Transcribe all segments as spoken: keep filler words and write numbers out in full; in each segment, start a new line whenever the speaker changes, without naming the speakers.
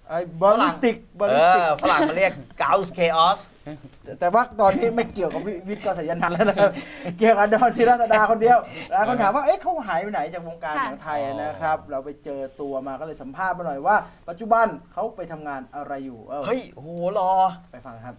ไอ้บอลลิสติกบอลลิสติก
ฝรั่งมาเรียก Gauss Chaos
แต่ว่าตอนนี้ไม่เกี่ยวกับวิทย์กษัยนันท์แล้วนะครับเกี่ยวกับดอนธีรดาคนเดียวแล้วคนถามว่าเอ๊ะเขาหายไปไหนจากวงการหนังไทยนะครับเราไปเจอตัวมาก็เลยสัมภาษณ์มาหน่อยว่าปัจจุบันเขาไปทำงานอะไรอยู่
เฮ้ยโหรอ
ไปฟังครับ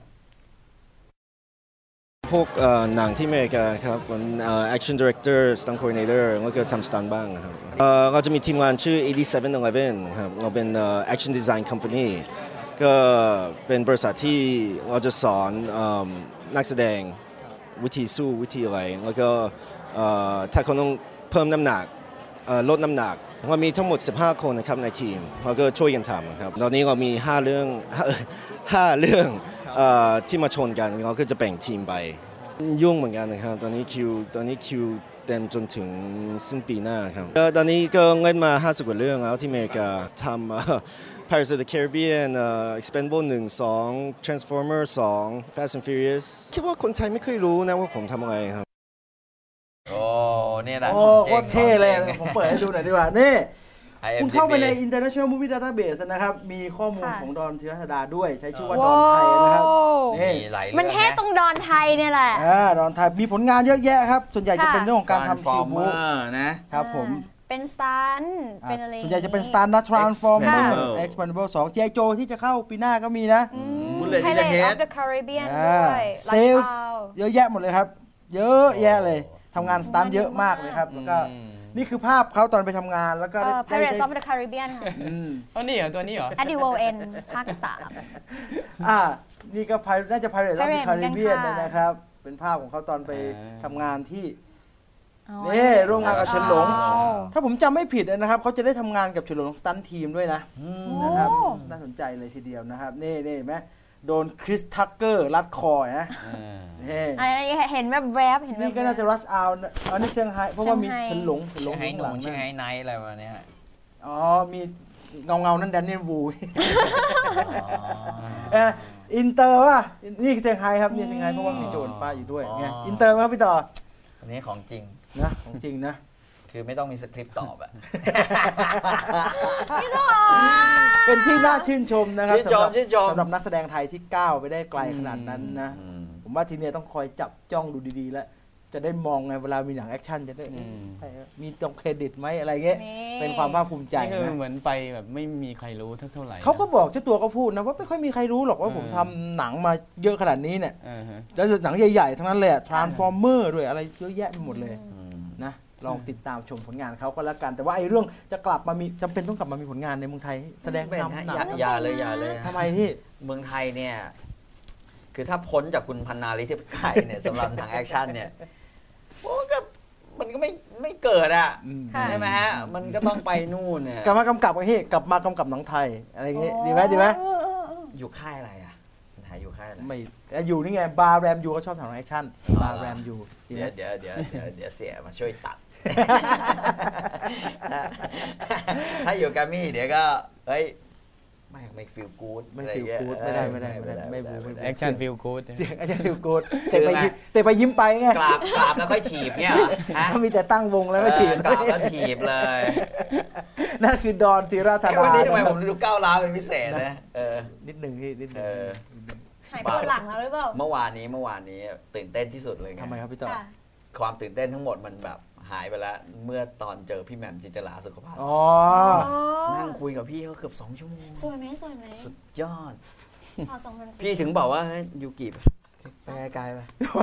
พวกหนังที่อเมริกาครับเป็น action director stunt coordinator แล้วก็ทำ stunt บ้างครับเราจะมีทีมงานชื่อแปดสิบเจ็ดสิบเอ็ดครับเราเป็น action design company ก็เป็นบริษัทที่เราจะสอนนักแสดงวิธีสู้วิธีอะไรแล้วก็ถ้าเขาต้องเพิ่มน้ำหนักลดน้ำหนักเรามีทั้งหมดสิบห้าคนนะครับในทีมเราก็ช่วยกันทำครับตอนนี้เรามีห้าเรื่องห้าเรื่องที่มาชนกันเราก็จะแบ่งทีมไปยุ่งเหมือนกันนะครับตอนนี้คิวตอนนี้คิวเต็มจนถึงสิ้นปีหน้าครับตอนนี้ก็เล่นมาห้าสิบกว่าเรื่องแล้วที่อเมริกาทำ Pirates of the Caribbean Expendable หนึ่ง สอง Transformer สอง Fast and Furious คิดว่าคนไทยไม่เคยรู้นะว่าผมทำอะไรครับ
โอ้เนี่ยนะ
โอ้โคตรเท่เลยผมเปิดให้ดูหน่อยดีกว่านี่คุณเข้าไปใน International Movie Database นะครับมีข้อมูลของดอนธีรดาด้วยใช้ชื่อว่าดอนไทยนะครับ
นี่มันเท่ตรงดอนไทยเนี่ยแหละ
อ่าดอนไทยมีผลงานเยอะแยะครับส่วนใหญ่จะเป็นเรื่องของการทำคิวบูนะครับผม
เป็นสตันเป็นอะไร
ส่วนใหญ่จะเป็นสตันนะ Transformer Expendable สอง จี ไอ Joe ที่จะเข้าปีหน้าก็มีนะ
Pirates of the Caribbean ด้วย
เซลฟ์เยอะแยะหมดเลยครับเยอะแยะเลยทำงานสตันเยอะมากเลยครับแล้วก็นี่คือภาพเขาตอนไปทำงานแล้วก็ได้
Pirates of the Caribbean ค่ะ
ตัวนี้เหรอตัวนี้เหรอ
At the World End ภาคสาม
อ่านี่ก็น่าจะ Pirates of the Caribbean นะครับเป็นภาพของเขาตอนไปทำงานที่นี่ร่วมงานกับเฉินหลงถ้าผมจำไม่ผิดนะครับเขาจะได้ทำงานกับเฉินหลงสตันทีมด้วยนะนะครับน่าสนใจเลยทีเดียวนะครับนี่นี่ไหมโดนคริสทักเกอร์รัดคอนะ
นี่เห็นแบบแวบเห็น
นี่ก็น่าจะรัชเอาอันนี้เซี่ยงไฮ้เพราะว่ามีเฉินหลงเฉินหลง
ไฮ้หนูเซี่ยงไฮ้ไนท์อะไรมาเนี้ย
อ๋อมีเงาเงานั่นแดนนี่วูอินเตอร์ว่ะนี่เซี่ยงไฮ้ครับนี่เซี่ยงไฮ้เพราะว่ามีโจนฟ้าอยู่ด้วยไงอินเตอร์ครับพี่ต่อ
อันนี้ของจริง
นะของจริงนะ
คือไม่ต้องมีสคริปต์ตอบอะ
เป็นที่น่าชื่นชมนะครับสำหรับสำหรับนักแสดงไทยที่ก้าวไปได้ไกลขนาดนั้นนะผมว่าทีนี้ต้องคอยจับจ้องดูดีๆแล้วจะได้มองไงเวลามีหนังแอคชั่นจะได้ใช่มีตรงเครดิตไหมอะไรเงี้ยเป็นความภาคภูมิใจ
นะเหมือนไปแบบไม่มีใครรู้เท่าไหร่
เขาก็บอกเจ้าตัวก็พูดนะว่าไม่ค่อยมีใครรู้หรอกว่าผมทำหนังมาเยอะขนาดนี้เนี่ยแล้วหนังใหญ่ๆทั้งนั้นเลย Transformer ด้วยอะไรเยอะแยะไปหมดเลยนะลองติดตามชมผลงานเขาก็แล้วกันแต่ว่าไอ้เรื่องจะกลับมามีจำเป็นต้องกลับมามีผลงานในเมืองไทยแสดงนำหนัง
อย่าเลยอย่าเลย
ทำไมที่
เมืองไทยเนี่ยคือถ้าพ้นจากคุณพันนาลิธิไก่เนี่ยสำหรับหนังแอคชั่นเนี่ยโอ้ก็มันก็ไม่ไม่เกิดอ่ะใช่ไหมฮะมันก็ต้องไปนู่นเนี่ย
กลับมากำกับไอ้ที่กลับมากำกับหนังไทยอะไรอย่างเงี้ยดีไหมดีไหม
อยู่ค่ายอะไรอ่ะหาอยู่ค่ายอะไร
ไม่อยู่นี่ไงบาร์แรมยูก็ชอบทำหนังแอคชั่นบาร์แรมยู
เดี๋ยวเดี๋ยวเดี๋ยวเดี๋ยวเสียมาช่วยตัดถ้าอยู่แกรมมี่เดี๋ยวก็เฮ้ยไม่ไม่ฟีลกู๊ด
ไม่ฟีลกู๊ดไม่ได้ไม่ได้ไม่ได้ไม่บูไม่
แอคชั่นฟีลกู๊ด
เสียงแอคชั่นฟีลกู๊ดแต่ไปแต่ไปยิ้มไปไง
กราบกราบแล้วค่อยถีบเนี่ย
เขามีแต่ตั้งวงแล้วก็ถีบ
กราบแล้วถีบเลย
นั่นคือดอนธีรธาดา
วันนี้ทำไมผมดูก้าวร้าวเป็นพิเศษนะเออ
นิดหนึ่งที่นิดหนึ่ง
หายปวดหลังแล้วหรือเปล่า
เมื่อวานนี้เมื่อวานนี้ตื่นเต้นที่สุดเลย
ทำไมครับพี่ต่อ
ความตื่นเต้นทั้งหมดมันแบบหายไปแล้วเมื่อตอนเจอพี่แหม่มจินตลาสุขภาพนั่งคุยกับพี่เขาเกือบสองชั่วโมง
สวยไหมสวยไหม
สุดยอดพี่ถึงบอกว่ายูกิไปไกลไป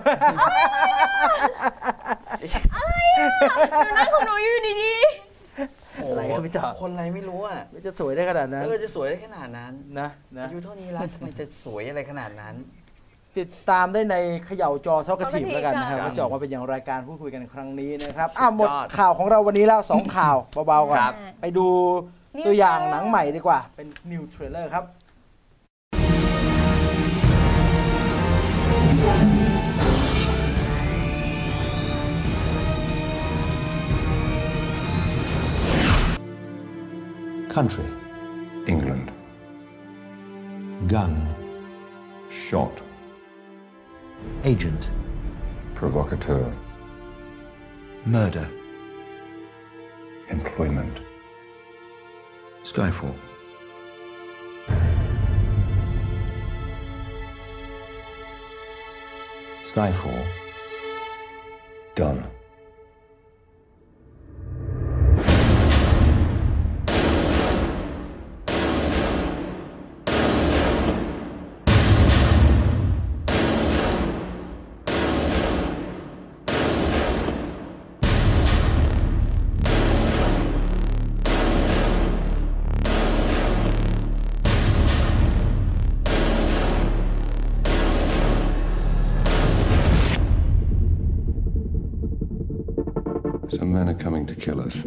อะไรอ่ะหนูนั่งของหนูอยู่ดี
ๆอะไรครับพี่ต่อ
คนอะไรไม่รู้อ่ะ
จะสวยได้ขนาดนั้น
เออจะสวยได้ขนาดนั้น
นะนะ
อายุเท่านี้แล้วทำไมจะสวยอะไรขนาดนั้น
ติดตามได้ในเขย่าจอทอกทีฟแล้วกันนะครับว่าจะออกมาเป็นอย่างรายการพูดคุยกันครั้งนี้นะครับอ่ะหมดข่าวของเราวันนี้แล้วสองข่าวเบาๆก่อนไปดูตัวอย่างหนังใหม่ดีกว่าเป็นนิวเทรลเลอร์ครับ
Country
England
Gun
Shot
Agent
Provocateur
Murder
Employment
Skyfall
Skyfall. Done. Some men are coming to kill us.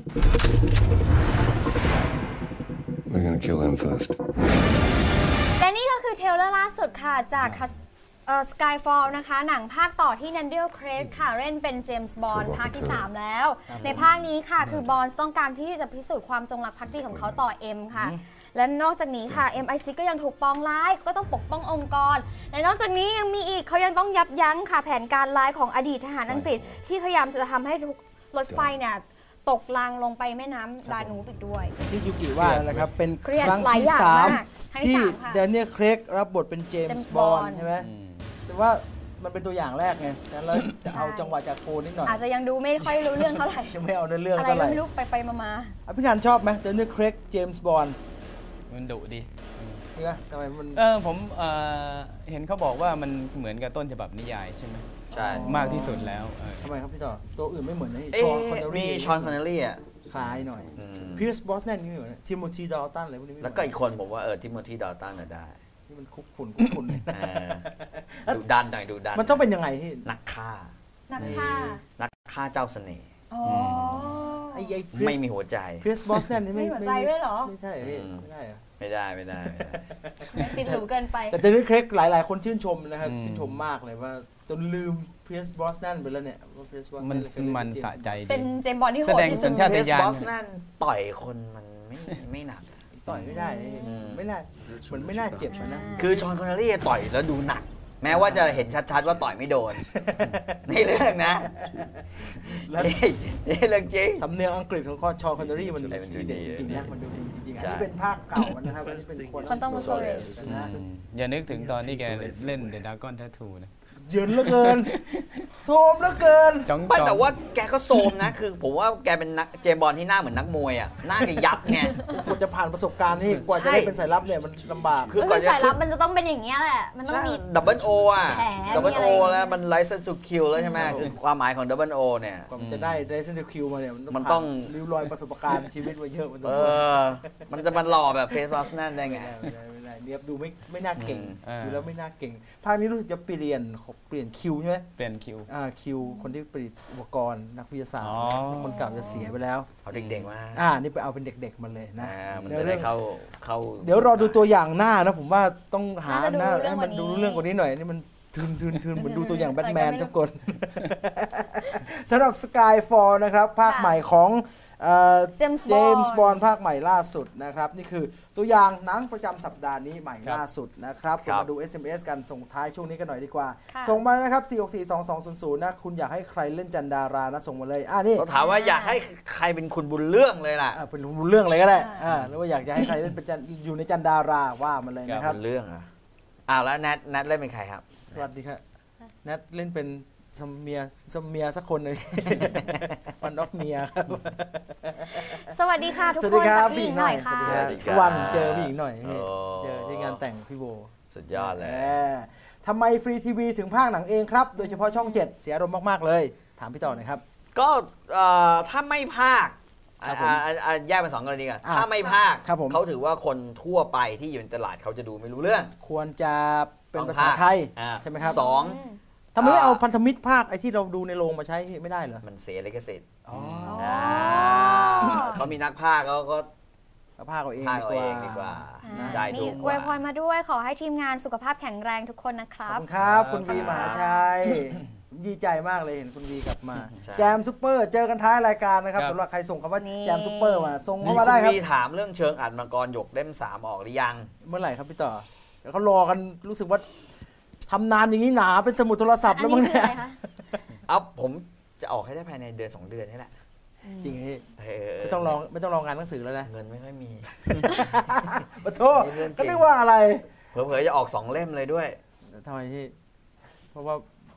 We're gonna kill them first.
และนี่ก็คือเทรลเลอร์ล่าสุดค่ะจากเอ่อ Skyfall นะคะหนังภาคต่อที่ Daniel Craig ค่ะเล่นเป็นเจมส์บอนด์ภาคที่สามแล้วในภาคนี้ค่ะคือบอนด์ต้องการที่จะพิสูจน์ความจงรักภักดีของเขาต่อเอ็มค่ะและนอกจากนี้ค่ะ เอ็ม ไอ ซิก ก็ยังถูกปองร้ายก็ต้องปกป้ององค์กรและนอกจากนี้ยังมีอีกเขายังต้องยับยั้งค่ะแผนการร้ายของอดีตทหารอังกฤษที่พยายามจะทำให้รถไฟเนี่ยตกรางลงไปแม่น้ำดานูบอีกด้วย
ที่ยูกิว่านะครับเป็น
เครียด
ครั้ง
หลาย
ที่
อย่าง
สาม
มากให้
ที่
สามค่ะ
แดเนียล เครกรับบทเป็นเจม
James
ส์บอนด์
Bond
ใช่ไหมแต่ว่ามันเป็นตัวอย่างแรกไงแล้วจะเอาจังหวะจากโคนิดหน่อย
อาจจะยังดูไม่ค่อยรู้เรื่องเท่าไหร่
ยังไม่เอาเนื้อเรื่อง
อะไร
เท่าไห
ก็
ร่
ไม่รู้ไปไปมามา
อ่ะพี่นันชอบไหมแดเนียล เครกเจมส์บอนด์
มันดุดี
จริงไหมทำไมมัน
เออผมเอ่อเห็นเขาบอกว่ามันเหมือนกับต้นฉบับนิยายใช่ไหม
ใช่
มากที่สุดแล้วเออ
ทำไมครับพี่ต่อตัวอื่นไม่เหมือนนะ
เอ๊ะ
ชอนคอนเนอ
มี
รี่
ชอนคอนเนอรี่อ่ะ
คล้ายหน่อย
อืม
พีร์ส บรอสแนนนี่ไม่เหมือนทิโมธีดอลตันอะไรพวกนี้ไม่เหมื
แล้
อน
วก็อีกคนผมว่าเออทิโมธีดอลตันน่ะได้
ที่มันคุกฝุ่นคุกฝุ่นเลย
เออดูดันหน่อยดูดัน
มันต้องเป็นยังไงที่
นักฆ่า
นักฆ่า
นักฆ่าเจ้าเสน่ห์
อ๋อ
ไอ้ไอ้
ไม่มีหัวใจ
พีร์ส บรอสแนนนี่ไม่
ไม่หัวใจด้วยเหรอ
ไม่ใช่พี่
อืม
ไม่ได้เหรอ
ไม่ได้ไม่ได้ไม่ได้
ติดหรูเกินไป
แต่เดนิส เครกหลาย ๆ คนชื่นชมนะครับ
อืม
ชื่นชมมากเลยว่าจนลืมเพียร์ส บรอสแนนไปแล้วเนี่ยว่าเพียร์ส บรอสแน
มัน
เคยเล่
มัน
เป็
สะใจดี
เป็นเจมส์บอนด์ที่โห
แส
ด
ดง
ที่
สั
สุด
ญชาต
เพส
ญาณ
บอสนั่นต่อยคนมันไม่ไม่หนัก
ต่อยไม่ได้เลย
อืม
ไม่น่าเหมือนไม่น่าเจ็บอะนะ
คือชอนคอนเนอรี่ต่อยแล้วดูหนัก แม้ว่าจะเห็นชัดๆว่าต่อยไม่โดน ในเรื่องนะ
แล้ว
นี่นี่เรื่องจริง
สำเนียงอังกฤษของชอคอนเนอรี่มัน
ใช่มันดู
ทีเด็ด
ดี
จริงๆนะมันดูดีจริงๆอัน
ใช่
นี้เป็นภาคเก่านะครับอันนี้เป็นคน
คนต้องมาโซเรส
นะ
อืมอย่านึกถึงตอนที่แกเล่น The Dragon Tattoo นะ
เยินเหลือเกินโซมเหลือเกิน
จ้อง
ไม่
ๆ
แต่ว่าแกก็โซมนะ คือผมว่าแกเป็นนักเจมส์บอลที่หน้าเหมือนนักมวยอ่ะหน้าแกยับไง
กว่าจะผ่านประสบการณ์นี่กว่าจะได้เป็นสายลับเนี่ยมันลำบาก
คือ
ก็
ก่อน
คือ
จะ
สายลับมันจะต้องเป็นอย่างเงี้ยแหละ มันต้องมี
ดับเบิลโออ่ะ
แผล
ดับเบิล
มีอะ
โอ
ไร
แล้วมันไลเซนส์ทูคิวแล้วใช่ไหมคือความหมายของดับเบิลโอเนี่ย
กว่ามันจะได้ได้เซนติคิวมาเนี่ย
มันต้อง
ผ่าริ้วรอยประสบการณ์ชีวิตมาเยอะมันต้
เอ
อง
อ มันจะมันหล่อแบบเฟสบอสนั่นได้ไง
ไม่ได้ไม่ได้เนี่ยดูไม่ไม่น่าเก่ง
อืม
ดูแล้วไม่น่าเก่ง ภาคนี้รู้สึกจะเปลี่ยนเปลี่ยนคิวใช่ไหม
เปลี่ยนคิว
อ่าคิวคนที่ผลิตอุปกรณ์นักวิทยาศาสตร์
อ๋อ
คนเก่าจะเสียไปแล้ว
เอาเด็กๆมา
อ่านี่ไปเอาเป็นเด็กๆมันเลยนะ
อ่ามัน
ดี๋ยว
จะได้เข้าเข้า
เดี๋ยวรอดูตัวอย่างหน้านะผมว่าต้องหา
น่าจะดู
หน้า
เรื่อง
ให้มัน
กว่านี้
ดูเรื่องกว่านี้หน่อยนี่มันทืนทืนทืนเหมือนดูตัวอย่างแบทแมน
อะไรก็ไม่รู้
จักคน สำหรับ Skyfall นะครับ ภาค
ค่ะ
ใหม่ของเอ่อ
James
เจมส์
Bond
บอนด์ภาคใหม่ล่าสุดนะครับ นี่คือตัวอย่างหนังประจำสัปดาห์นี้ใหม่
ครับ
ล่าสุดนะครับ
ครับ
มาดู เอส เอ็ม เอส กันส่งท้ายช่วงนี้กันหน่อยดีกว่า
ค่ะ
ส่งมานะครับ สี่ หก สี่ สอง สอง ศูนย์ ศูนย์ นะ คุณอยากให้ใครเล่นจันดารานะส่งมาเลยอ่านี่
เขาถามว่าอยากให้ใครเป็นคุณบุญเรื่องเลยล่ะ
อ่าเป็นเรื่องอะไรก็ได้
อ่า
อ่าหรือว่าอยากจะให้ใครเล่นเป็นจันอยู่ในจันดาราว่ามาเลยนะครับ
บุญเรื่องอ่ะอ้าวแล้วแนทแนทเล่นเป็นใครครับ
สวัสดีครับแนทเล่นเป็นสมเมียสมเมียสักคนหนึ่ง วันออฟเมียครับ
สวัสดีค่ะทุก
สวัส
ค
ดี
น
ครั
จา
บ
กพี่หญิงหน่อยค่ะ
สวัสดี
สวัสดีครับ
วันเจอผู้หญิงหน่อย
โอ้
เจอที่งานแต่งพี่โบ
สุดยอดเลย
แหมทำไมฟรีทีวีถึงภาคหนังเองครับ โดยเฉพาะช่องเจ็ดเสียอารมณ์มาก ๆ เลย ถามพี่ต่อหน่อยครับ
ก็เอ่อถ้าไม่ภาค
ครับผม
อ่าอ่าอ่าแยกเป็นสองกรณีกัน
อ่า
ถ้าไม่ภาค
ครับผม
เขาถือว่าคนทั่วไปที่อยู่ในตลาดเขาจะดูไม่รู้เรื่อง
ควรจะเป็น
ต้อง
ภาษาไทย
อ่า
ใช่ไหมครับ
สอง
ทำไมไม่
อ่า
เอาพันธมิตรภาคไอ้ที่เราดูในโรงมาใช้ไม่ได้เหรอ
มันเสียลิขสิทธิ์
อ๋อ
อ่าเขามีนักภาคเขาก็
เอาภาคเอาเอง
ภาค
ดี
เอา
ก
เอ
ว่า
งดีกว่า
อ่า
จ่าย
มี
ถูกก
อวย
ว่า
พรมาด้วยขอให้ทีมงานสุขภาพแข็งแรงทุกคนนะค
ขอ
รั
บบ คุณครับ คุณวี
ครับ
มหาชัยดีใจมากเลยเห็นคุณวีกลับมา
ใช่
แจมซุปเปอร์เจอกันท้ายรายการนะครับ
ครับ
สำหรับใครส่งคำว่า
นี่
แจมซุปเปอร์มาส่ง
มี
เข้า
คุ
มาได้
ณ
ครับ
วีถามเรื่องเชิงอัดมังกรหยกเล่มสามออกหรือยัง
เมื่อไหร่ครับพี่ต่อเดี๋ยวเขารอกันรู้สึกว่าทำนานอย่างนี้หนาเป็นสมุดโทรศัพท์แล้วมั้ง
อันนี้
เนี่ย
คืออะไรคะ
เอาผมจะออกให้ได้ภายในเดือนสองเดือนนี่แหละ
จริงพี่
เออ
ไม่ต้องรอไม่ต้องรองานหนังสือแล้วนะ
เงินไม่ค่อยมี
ปะโทษ
นี่เรื่องจริง
ก็นึกว่าอะไร
เผลอๆจะออกสองเล่มเลยด้วย
ทำไมพี่เพราะว่า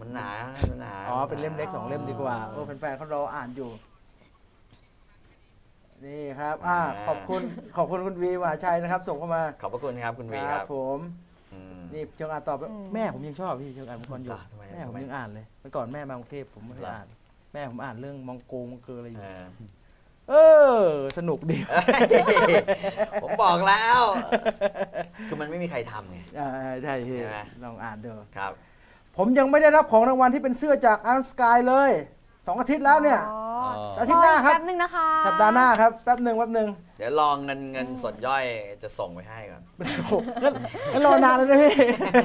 มันหนามันหนา
อ๋อเป็นเล่มเล็กสองเล่มดีกว่าโอ้แฟนๆเขารออ่านอยู่นี่ครับอ่าขอบคุณขอบคุณคุณวีมหาชัยนะครับส่งเข้ามา
ขอบพระคุณครับคุณวีครับ
ผม
อืม
นี่เชิงอ่านตอบแม่ผมยังชอบพี่เชิงอ่านมังกรหยก
อ่ะทำไม
แม่ผม
ทำไม
ยังอ่านเลยเมื่อก่อนแม่มากรุงเทพผมไม่ได้อ่าน แม่ผมอ่านเรื่องมองโกงมองเกออะไรอยู่
เออ
เออสนุกดี
ผมบอกแล้ว คือมันไม่มีใครทำไง
อ่าใช่พี่
ใช่ไหม
ลองอ่านดู
ครับ
ผมยังไม่ได้รับของรางวัลที่เป็นเสื้อจากอันสกายเลยสองอาทิตย์แล้วเนี่ย
อ๋อ
อาทิตย์หน้าครับ
แป๊บนึงนะคะ
สัปดาห์หน้าครับแป๊บหนึ่งแป๊บหนึ่ง
เดี๋ยวลองเงินเงินสดย่อยจะส่งไปให้ก่อน
โอ้โหงั้นงั้นรอนานเลยนะพี่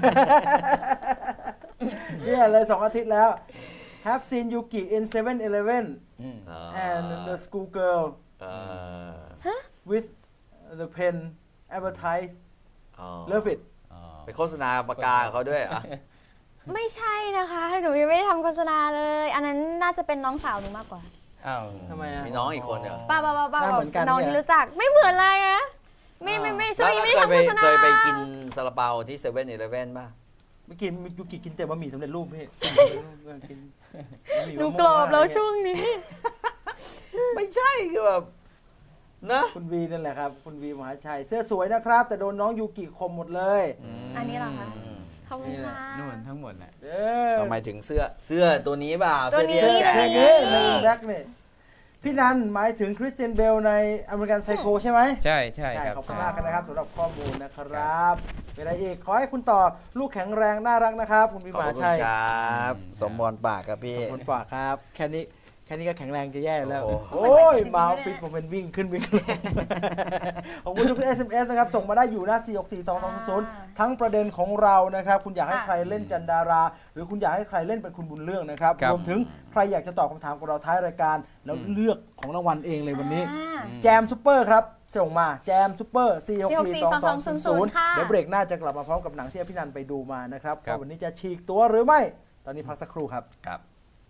เนี่ยเลยสองอาทิตย์แล้ว Have seen Yuki in เซเว่น Eleven
อืม
and the school girl
เออ
with the pen advertise
อ๋อ
love it
อ๋อ
ไปโฆษณาปากกากับเขาด้วยเหรอ่ะ
ไม่ใช่นะคะหนูยังไม่ได้ทำโฆษณาเลย อันนั้นน่าจะเป็นน้องสาวหนูมากกว่า
อ้าว
ทำไมอะ
มีน้องอีกคนเหรอ
ป้าป้าป้าป้า
หน้าเหมือนกัน
น้อง
เนี่ย
ที่รู้จักไม่เหมือนเลยนะไม่ไม่ไม่ช่วงนี้ไม่ได้
แล้ว
ทำโฆษณา
เคยไปกินซาลาเปาที่เซเว่นอีเลฟเว่นป่ะ
ไม่กินยูกิกินแต่บะหมี่สำเร็จรูปพี่ กินบะหมี่
หนู
มะม่วง
กรอบแล้ว
อะไรเงี้ย
ช่วงนี้
ไม่ใช่คือแบบนะ
คุณวีนั่นแหละครับ คุณวีมหาชัยเสื้อสวยนะครับ แต่โดนน้องยูกิคมหมดเลย
อันนี้เหรอคะ
อืม
ขอบคุณค่ะ
นู่นทั้งหมดแหละ
เออ
ทำไมถึงเสื้อเสื้อตัวนี้เปล่า
ตัวนี้
เสื้อ
เสื้อ
ที่
เสื้อ
แจก
นี้แบล็คเนี่ยพี่นันหมายถึงคริสเตียนเบลในอเมริกันไซโคใช่ไหม
ใช่ใช่ครับ
ขอบคุณ
ใช่
มากนะครับสำหรับข้อมูลนะครับเป็นอะไรอีกขอให้คุณต่อลูกแข็งแรงน่ารักนะครับ คุณวี
ขอบ
มหา
คุณ
ชัย
ครับ สมบรปากครับพี่
ขอบคุณกว่าครับ แค่นี้แค่นี้ก็แข็งแรงจะแย่แล้ว
โอ้โห
โอ้ยมาฟิตผมเป็นวิ่งขึ้นวิ่งลง ขอบคุณทุก เอส เอ็ม เอส นะครับ ส่งมาได้อยู่หน้า สี่ หก สี่ สอง สอง ศูนย์ ทั้งประเด็นของเรานะครับ คุณอยากให้ใครเล่นจันดารา หรือคุณอยากให้ใครเล่นเป็นคุณบุญเรื่องนะครับ
ครับ
รวมถึงใครอยากจะตอบคำถามกับเราท้ายรายการ แล้วเลือกของรางวัลเองเลยวันนี้
อ่า
แจมซูเปอร์ครับ ส่งมาแจมซูเปอร์ สี่ หก สี่ สอง สอง ศูนย์ ศูนย์
ค่ะ
เดี๋ยวเบรกหน้าจะกลับมาพร้อมกับหนังที่พี่นันไปดูมานะครับ
ครับ
ว่าวันนี้จะฉีกตัวหรือไม่ ตอนนี้พักสักครู่ครับ
ครับ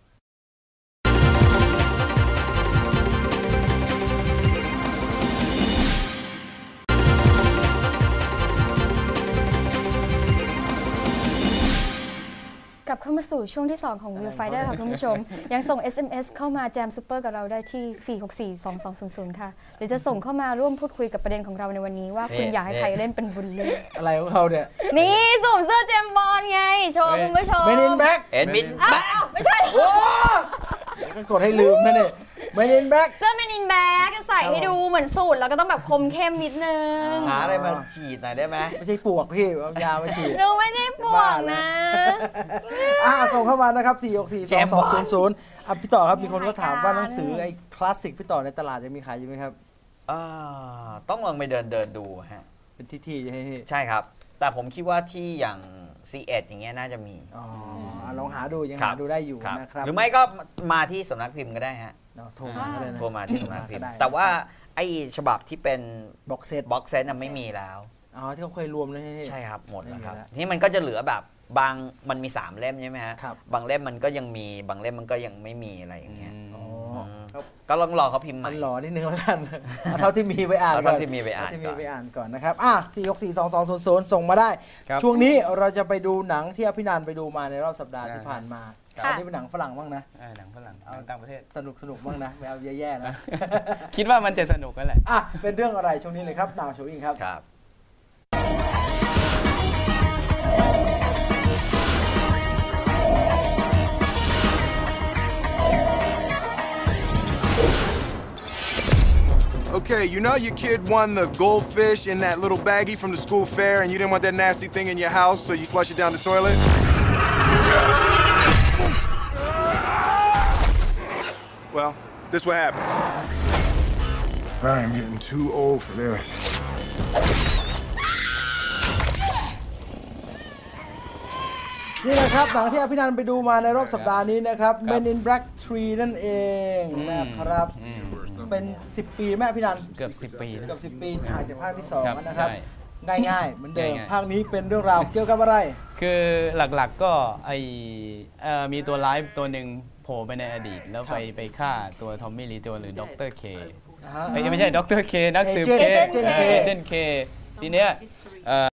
กลับเข้ามาสู่ช่วงที่ สอง ของ View Finder ค่ะคุณผู้ชม ยังส่ง เอส เอ็ม เอส เข้ามาแจมซูเปอร์กับเราได้ที่ สี่ หก สี่ สอง สอง ศูนย์ ศูนย์ ค่ะหรือจะส่งเข้ามาร่วมพูดคุยกับประเด็นของเราในวันนี้ว่าคุณ
นี่
อยากให้ใครเล่นเป็นบุญเรื่อง
อะไรของเขาเนี่ย
นี่สวมเสื้อเจมส์บอลไง โชว์คุณผู้ชม
เมนินแบ็ก
เอ็นมิน
อ้าว
แบ็ค
อ้าวไม่ใช่
ก็กดให้ลืมนะเนี่ยเมนินแบ็ก
เสื้อเมนินแบ็กใส่ให้ดูเหมือนสูตรแล้วก็ต้องแบบคมเข้มนิดนึง
หาอะไรมาฉีดหน่อยได้ไหม
ไม่ใช่ปวกพี่เอายามาฉีด
หนูไม่ได้ปวกนะ
อ่าส่งเข้ามานะครับ สี่ หก สี่ สอง สอง ศูนย์ ศูนย์ อ่ะพี่ต่อครับมีคนก็ถามว่าหนังสือไอ้คลาสสิกพี่ต่อในตลาดยังมีขายอยู่ไหมครับ
อ่าต้องลองไปเดินเดินดูฮะ
เป็นที่ที่ให้
ใช่ครับ แต่ผมคิดว่าที่อย่าง ซี เอ็ด อย่างเงี้ยน่าจะมี
อ๋อลองหาดูยัง
ครั
หา
บ
ดูได้อยู่
ครับ
นะครับ
หรือไม่ก็มาที่สำนักพิมพ์ก็ได้ฮะ
เนาะโทรมาก็ได้นะ
โทรมาที่สำนักพิมพ์
ได้
แต่ว่าไอ้ฉบับที่เป็น
บ็อกเซต
บ็อกเซตน่ะไม่มีแล้ว
อ๋อที่เขาเคยรวมเลยให้
ใช่ครับ หมดแล้วครับ
ไม่มีแล้ว
นี่มันก็จะเหลือแบบบางมันมีสามเล่มใช่ไหมฮะ
ครับ
บางเล่มมันก็ยังมีบางเล่มมันก็ยังไม่มีอะไรอย่างเงี้ย
อ๋อ
ม
ครับ
ก็ลองรอเขาพิมพ์ให
มั
ม่
นหล่อนิดนึงแล้วกัน เอาเท่าที่มีไปอ่าน
เอา
ก่อน
เท่าที่มีไปอ่าน
เท่ที่
ก่
มี
อน
ไปอ่านก่อนนะครับ อ่ะ สี่ หก สี่ สอง สอง ศูนย์ ศูนย์ ส่งมาได้
ครับ
ช่วงนี้เราจะไปดูหนังที่อภินันท์ไปดูมาในรอบสัปดาห์
ได้
ที่ผ่านมา
ครับ
อันนี้เป็นหนังฝรั่งบ้างนะ
เออหนังฝรั่งหนังต่างประเทศ
สนุกสนุกบ้างนะไม่เอาแย่ๆนะ
คิดว่ามันจะสนุกกันแหละ
อ่ะ เป็นเรื่องอะไรช่วงนี้เลยครับนาวโชว์อิงครับ
ครับ
Okay, you know your kid won the goldfish in that little baggie from the school fair and you didn't want that nasty thing in your house, so you flush it down the toilet? Well, this what happens. I am getting too old for this.
นี่แหละครับหนังที่อภินันท์ไปดูมาในรอบสัปดาห์นี้นะครับ
ครับ
Men in Black ทรี นั่นเองนะครับ
อืม
เป็น สิบ ปีแม่อภินันท์
เกือบสิบปีนะ
เกือบสิบ ปีถ่ายจากภาคที่สอง
ครับ
นะครับ
ใช่
ง่ายๆ เหมือนเดิม
ง่ายๆ
ภาคนี้เป็นเรื่องราวเกี่ยวกับอะไร
คือหลักๆก็ไอเอ่อมีตัวร้ายตัวหนึ่งโผล่ไปในอดีต แล้วไป
ครับ
ไปฆ่าตัวทอมมี่ลีโจนหรือด็อกเตอร์เค
อ่าฮะ
ไม่ใช่ด็อกเตอร์เคนักสืบ
เอ
เค
เจนต์ K
เอเจนต์เคทีเนี้ยเอ่อ